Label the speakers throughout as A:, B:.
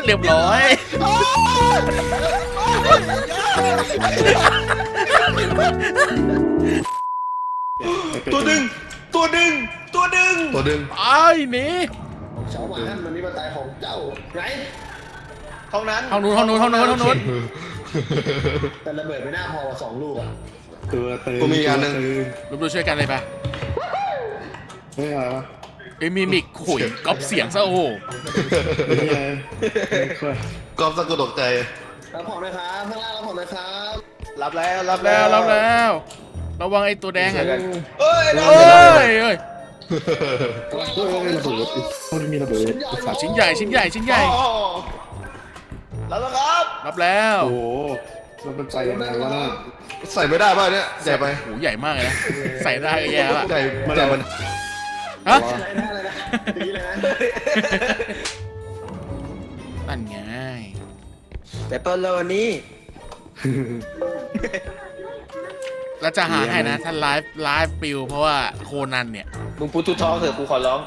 A: เรียบร้อย
B: ตัวดึงตัวดึงตัวดึงตัวดึง
A: ไอ้หนี
C: เช้ามามันนี่มาตายของเจ้าไหน
B: ห้องนั้น
A: ห้องนู้นห้องนู้นห้องนู้นห้องนู้น
C: แต่ระเบิดไม่น่าพอสองลูกอ่ะ
D: ตัวตึง
B: กูมีอันหนึง
A: รวมตัวช่วยกันเลยปะ
D: เฮ้ยอะไรวะ
A: ไอ้มิมิกขุยก๊อปเสียงซะโอ้โห
D: นี่ไงค่อย
B: กอบสะกดตกใจ
C: รับของนะครับข้างล่างรับของนะครับ
B: รับแล้วรับ
A: แล้
B: แล้ว
A: รับแล้วระวังไอ้ตัวแดงอ่ะ
B: เอ้ย
A: เอ้ยเอ้ย
C: ข้างล่าง
D: เฮ้
C: รับของ
D: ย
C: นะค
D: ระ
C: รับ
D: เบิดมันมีระเบิดสัตว์
A: ชิ้นใหญ่ชิ้นใหญ่ชิ้นใหญ่
B: รับแล้วครับ
A: รับแล้ว
D: โอ้โหมันเป็นใจยังไงวะน่ะ
B: ใส่ไม่ได้ป่ะเนี่ยใหญ่ไป
A: โหใหญ่มากเลยนะใส่ได้ก็แย่แล้ว
B: ใหญ่ใหญ่มัน
A: ฮะ
C: อะไรนะอะไรนะอย่างนี้เลยนะ
A: นั่นไง
B: แต่เปิดเลยวันนี้
A: แล้วจะหาให้นะถ้าไลฟ์ปิวเพราะว่าโคนันเนี่ย
B: มึงพูดทุกท้องเถอะกูขอร้อง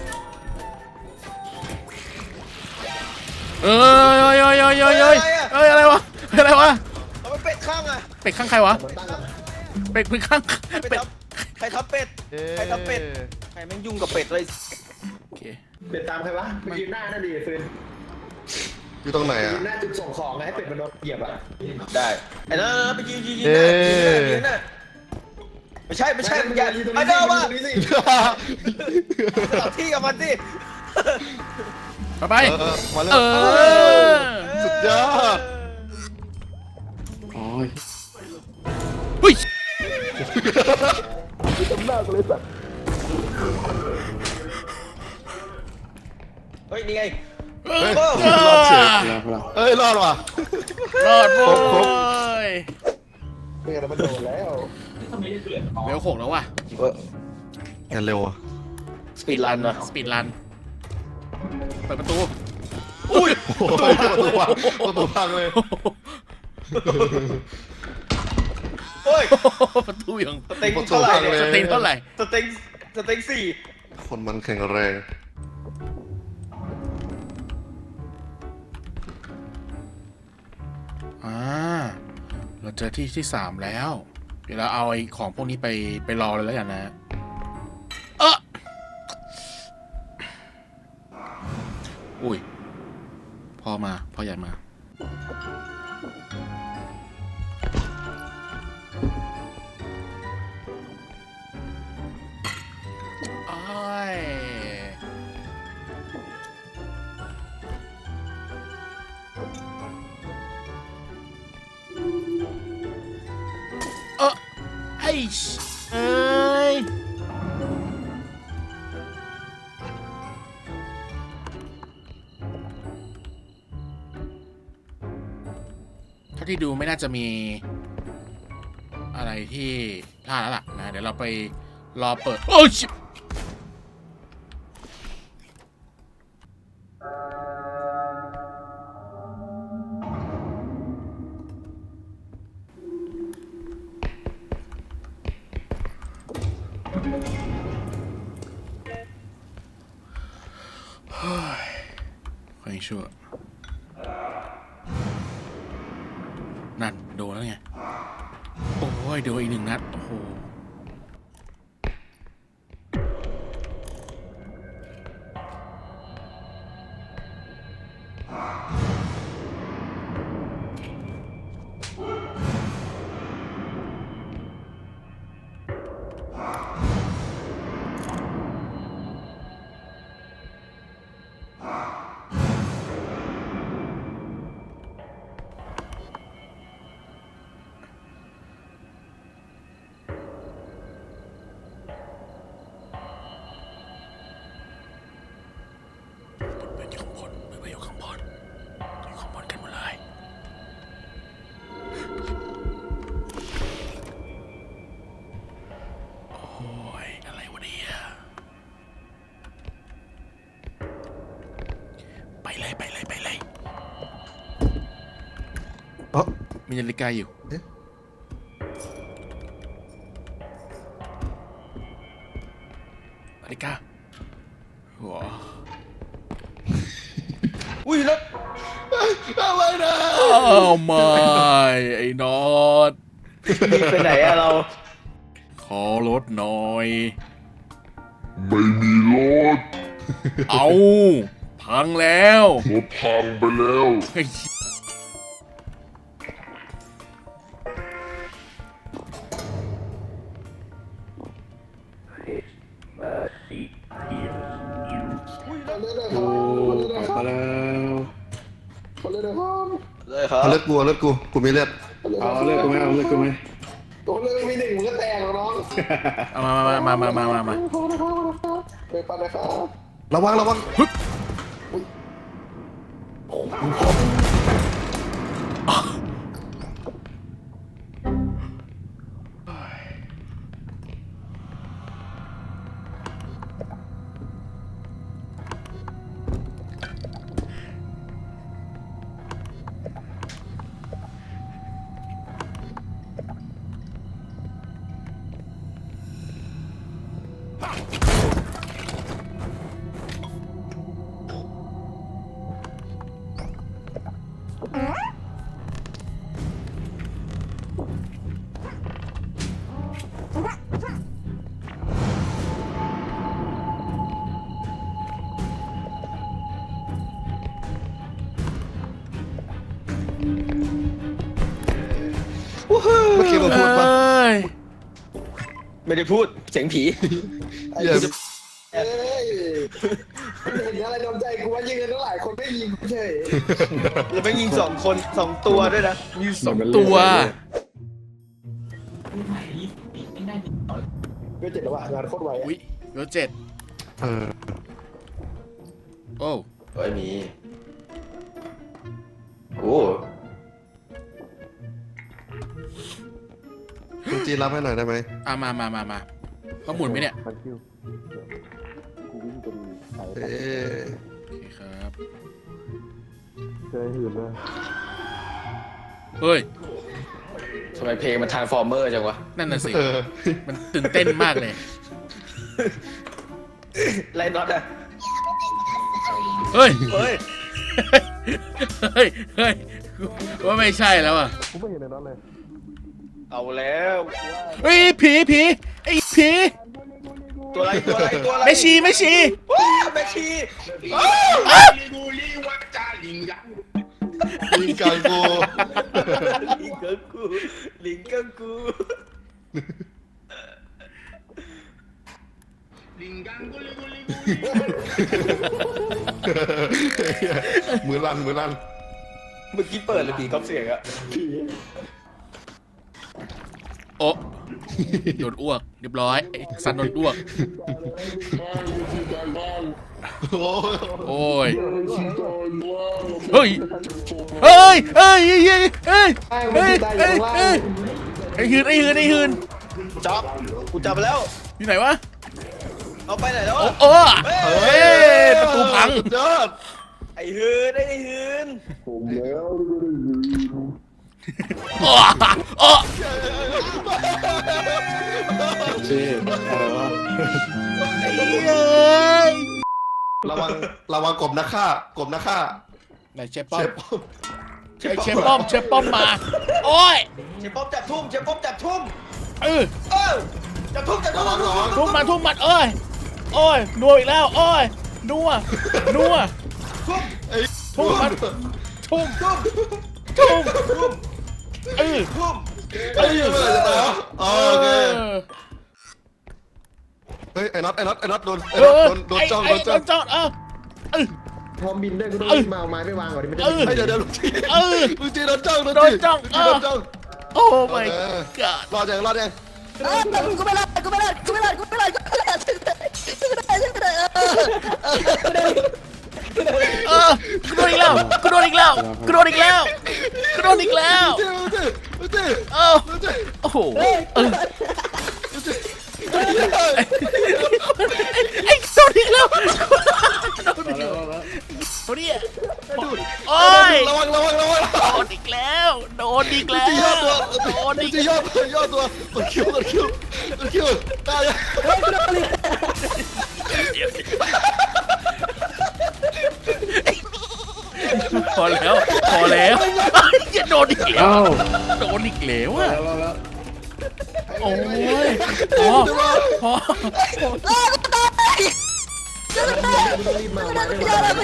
A: เอ้ยเอ้ยเอ้ยเอ้ยเอ้ยเอ้ยอะไรวะอะไรวะ
B: เอาไปเป็ดข้างอ่ะ
A: เป็ดข้างใครวะ
C: ผมตั้งกับ
A: เป็ดข้าง
B: ไป
A: เป็ด
B: ทับใครทับเป็ดใครทับเป็ดใครแม่งยุ่งกับเป็ดเลย
A: โอเค
C: เป็ดตามใครวะไปยืนหน้าน่าดีเฟิร์น
B: อยู่ตรงไหนอ่ะ
C: ยืนหน้าจุดส่งของไงให้เป็ดมันโดนเหยียบอ่ะ
B: ได้ไอ้นั่นไปยืนหน้ายืนหน้าไม่ใช่ไม่ใช่อย่าไอ้เด้อวะ
C: ตรงนี้สิ
B: ตัดที่กับมันสิ
A: ไปไป
B: มาเลย
A: เออ
B: สุดยอด
D: อ๋อ
A: หุ้ย
B: เฮ้ยนี่ไง
A: เออ
B: เออ
D: รอดเฉยแล้วเรา
B: เอ้ยรอดว่ะ
A: รอดโว้ย
C: เป็ดมันโดนแล้ว
A: เร็ว6แล้วว่ะ
B: งานเร็วอ่ะสปีดรันนะ
A: สปีดรันเปิดประตู
B: อุ้ยประตูพังเลยเฮ้ย
A: ประตูยัง
B: สเต็งเท่าไหร่เนี่ย
A: สเต็งเท่าไหร่
B: สเต็งสี่คนมันแข็งแรง
A: เราเจอที่3แล้ว เดี๋ยวเราเอาไอ้ของพวกนี้ไปรอเลยแล้วกันนะอุ้ยพ่อใหญ่มาอ้ายไอ้เอ้ยถ้าที่ดูไม่น่าจะมีอะไรที่พลาดแล้วล่ะนะเดี๋ยวเราไปรอเปิดโอ้ยขอให้ชั่วนั่นโดนแล้วไงโอ้ยโดนอีก1 นัดโอ้โหเป็นอยู่ข้างบนเป็นอยู่ข้างบนอยู่ข้างบนกันหมดเลยโอ้ยอะไรวะเนี่ยไปเลยมีนาฬิกาอยู่นาฬิกาว้า
B: อุ้ยแล้ว
D: เอาไว้นะ
A: อ้าวไม่ไอ้น็อต
B: รีบไปไหนอะเรา
A: ขอรถหน่อย
E: ไม่มีรถ
A: เอาพังแล้ว
E: รถพังไปแล้ว
A: เฮ้ย
D: โอ้มาแล้ว
C: คนเลยนะครับ
B: เลยครับ
D: เอาเลือดกูเอาเลือดกูมีเลือดเอาเลือดกูไหมเอาเลือดกูไหม
C: ตัวเลยมีหนึ่งมันก็แตกแล้วน้อง
A: เอามา
C: ไปปั่นนะครับ
D: ระวังระวัง เมื่อกี้เราพูดปะ
A: เอ้ย
B: ไม่ได้พูดเสียงผี
D: อย่า
C: เอ้ยเห็นอะไรโดนใจกูว่ายิงกันตั้งหลายคนไม่ยิงเฉย
B: แล้วไปยิง2 ตัวด้วยนะ
A: มีสองตัว
C: ก็เจ็ดแล้วว่ะงานโคตรไว
A: อุ้ยรถเจ็ด
D: เออ
A: โอ้
B: เฮ้ยมีโอ้
D: คุณจีนรับให้หน่อยได้ไหม
A: อามาต้องหมุนไหมเนี่ย
D: เอ๊ะ
A: โอเคครับเฮ้ย
B: ทำไมเพลงมันทรานส์ฟอร์เมอร์จังวะ
A: นั่นน่ะสิ
D: เออ
A: มันตื่นเต้นมากเลย
B: ไล่น็อตอะ
A: เฮ้ย
B: เฮ้ย
A: เฮ้ยว่าไม่ใช่แล้วอ่ะ
B: เอาแล้ว
A: เฮ้ยผีไอ้ผี
B: ตัวอะไร
A: ไม่ชี
B: ว้าแม่ชี
D: ลิงกังโก
B: ลิงกังกู
D: มือลั่น
B: เมื่อกี้เปิดเลยผีก๊อปเสียงอะ
A: โอ้โดนอ้วกเรียบร้อยไอ้สันโดนอ้วก
D: โอ้
A: โอ้ยเฮ้ยไอ้หืน
B: จับกูจับไปแล้ว
A: อยู่ไหนวะ
B: เอาไปไหนแล้ว
A: โอ้เฮ้ยประตูพัง
B: ยอดไอ้หืน
C: ผมแล้ว
A: โอ้
D: เจ๊อะไรวะระวังกบนะฆ่า
A: ไหนเชฟป้อมเชฟป้อมมา โอ้ย
B: เชฟป๊อปจับทุ่มจับทุ่ม
A: จับทุ่ม
B: ระวัง
A: ทุ่มมันโอ้ยนัวอีกแล้วโอ้ยนัวทุ่มมันทุ่มเออ
D: โอเคเฮ้ยไอ้น็อตโดนจ้อง
C: พร้อมบินด้วยกูต้องมาเอาไม้ไปวางก่อนดิไม่ได้
D: เดี๋ยวลุงจีโดนจ้อง
A: โอ้ my god
D: รอดยัง
F: กูไม่รอดกูไม่รอดกูไม่รอดกูไม่รอดกูไม่รอดกูโดนอีกแล้วกูโดนอีกแล้วโอ้โหไอ้โดนอีกแล้วโอ้ย
D: ระวัง
A: โดนอีกแล้ว
D: จีย่อตัวกดคิวตาย
A: พอแล้วพอแล้วอย่าโดนอีกแล้วโดนอีกแล้วอะโอ้ยพอพอ
C: รีบมาได้ไหม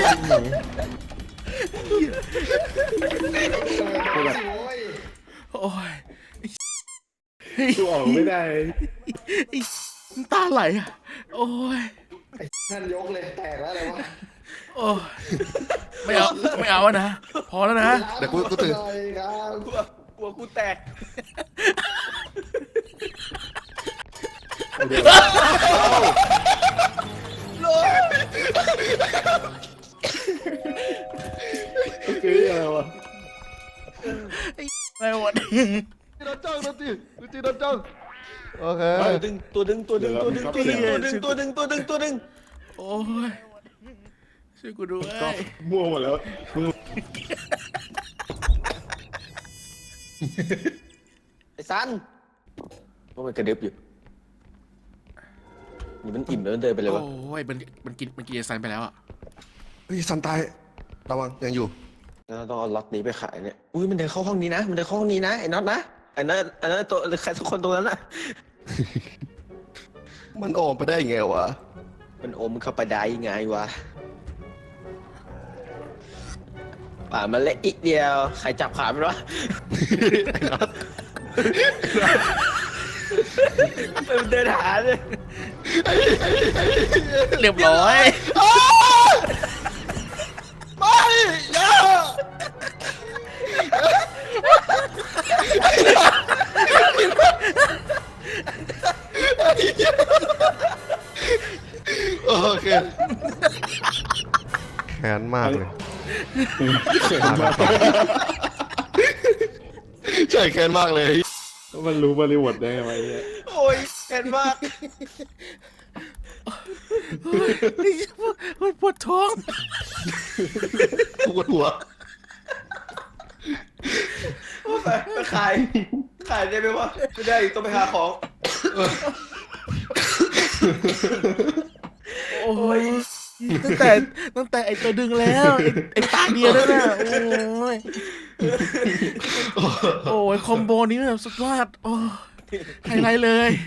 C: โอ้ย
A: โอ้ย
G: ดูออกไม่ได้
A: น้ำตาไหลอะโอ้ย
C: นั่นยกเลยแตกแล้วอะไรวะ
A: โอ้ยไม่เอาอะนะพอแล้วนะ
D: เดี๋ยวกูตื่น
C: ครับ
B: กลัวกูแตก
G: คืออะไรวะ
A: อะไรวะเนี่ย
D: โดนจ้องโดนตีโดนจ้องโอเค
B: ตัวดึงตัวดึง
A: โอ้ยช่วยกูด้วย
G: มั่วหมดแล้ว
B: ไอ้ซันว่ามันกระดึบอยู่นี่มันอิ่มแล้วเดินไปเลยวะ
A: โอ้ยมันกินยาซันไปแล้วอ่ะ
D: เฮ้ยสันตายระวังยังอยู่
B: แล้วต้องเอาล็อตนี้ไปขายเนี่ยอุ้ยมันเดินเข้าห้องนี้นะมันเดินเข้าห้องนี้นะไอ้น็อตนะไอ้นั่นตัวใครสักคนตรงนั้นน่ะ
D: มันโอมไปได้ไงวะ
B: มันอมเข้าไปได้ยังไงวะป่ามันเละอีกเดียวใครจับขามันวะมันเดินหาเลย
A: เรียบร้อย
D: ไม่อย่าโอเคแค้นมากเลยใช่แค้นมากเลย
G: มันรู้บริบทได้ไงวะเนี่ย
B: โอ้ยแค้นมาก
A: ปวดท้อง
D: ปวดหัว
B: ไปขายได้ไหมวะไม่ได้ต้องไปหาของ
A: โอ้ยตั้งแต่ไอตัวดึงแล้วไอตาเดียวนั่นน่ะโอ้ยคอมโบนี้แบบสุดยอดโอ้ไฮไลท์เลย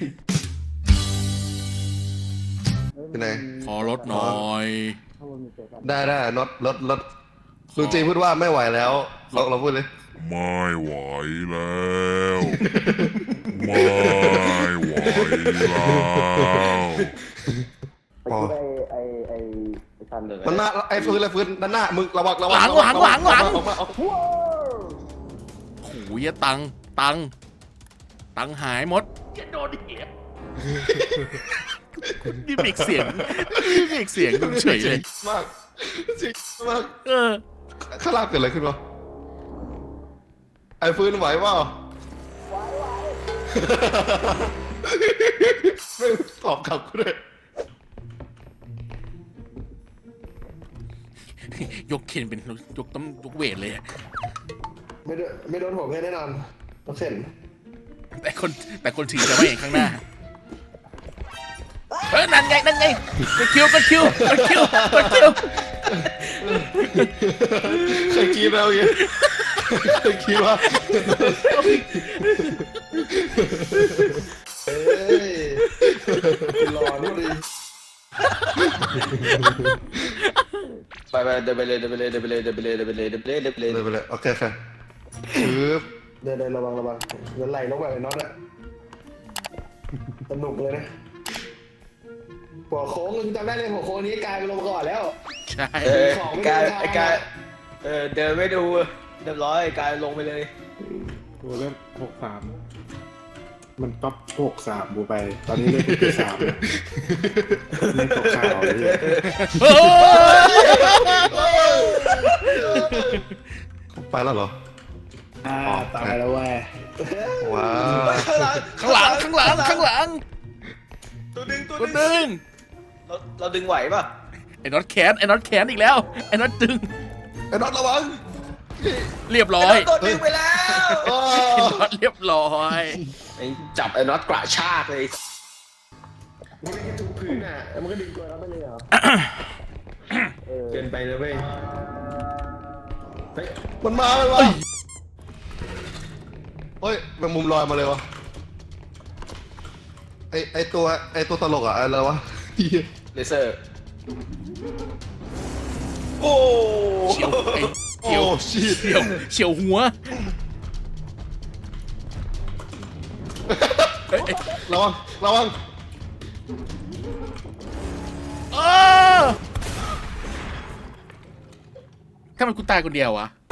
D: เป็นไง
A: ขอลดหน่อย
D: ได้รถลุงจีพูดว่าไม่ไหวแล้วเราพูดเลย
E: ไม่ไหวแล้ว ไม่ไหวแล้ว
D: พอ
B: ทันเลย
D: มันหน้าไอ้ฟื้นด้านหน้ามึงระวัง
A: หลัง
D: ออกมา
A: โอ้ยตังหายหมดจะโดนเหี้ยนี่เบรกเสียงเฉยเลย
D: มากจริงมาก ข้างล่างเกิดอะไรขึ้นวะไอ้ฟื้นไหวเปล่าไม่ตอบกลับกูเลย
A: ยกเคนเป็นยกเวทเลยอะ
C: ไม่โดนผมแน่นอนต้องเส้น
A: แต่คนถือจะไม่เห็นข้างหน้านั่นไงกดคิว
D: เคยคิดแล้วยังเคยคิดว่า
C: เฮ้ยหลอนพอดี
B: ไปเดินไปเลย
D: โอเคค่ะปึ๊บ
C: เดินระวังเดินไหลลงไปน็อตอะสนุกเลยนะหัวโค้งจำได้เลยหัวโค้งนี้กลายเป็นลงก่อนแล้ว
A: ใช่
B: กายเดินไม่ดูเรียบร้อยกายลงไปเลย
G: ตัวเล่น63มันก๊อป63บูไป ตอนนี้เล่น63เล่นตกข่าวเลย
D: ไปแล้วเหรอ
G: ตายแล้วเว้ย
D: ว้าว
A: ข้างหลัง
B: ตัวดึง เราดึงไหวป่ะ
A: ไอ้น็อตแขนอีกแล้วไอ้น็อตดึง
D: ไอ้น็อตระวัง
A: เรียบร้อย
B: ตัวดึงไปแล้ว
A: ไอ้น็อตเรียบร้อย
B: จับไอ้น็อตกระชากเลย
C: มันก็ถูกพื้นอ่ะแล้วมันก็ดึงตัวเราไปเลยเหรอ
B: เกินไปเลยเว้ย
D: มันมาเฮ้ยแมงมุมลอยมาเลยวะไอตัวตลกอะอะไรวะ
B: เลเซอร์โอ้
A: เฉียวไอ้
D: โอ้ชีต
A: เฉียวหัวเอ้ย
D: ระวัง
A: ถ้ามันกูตายคนเดียววะ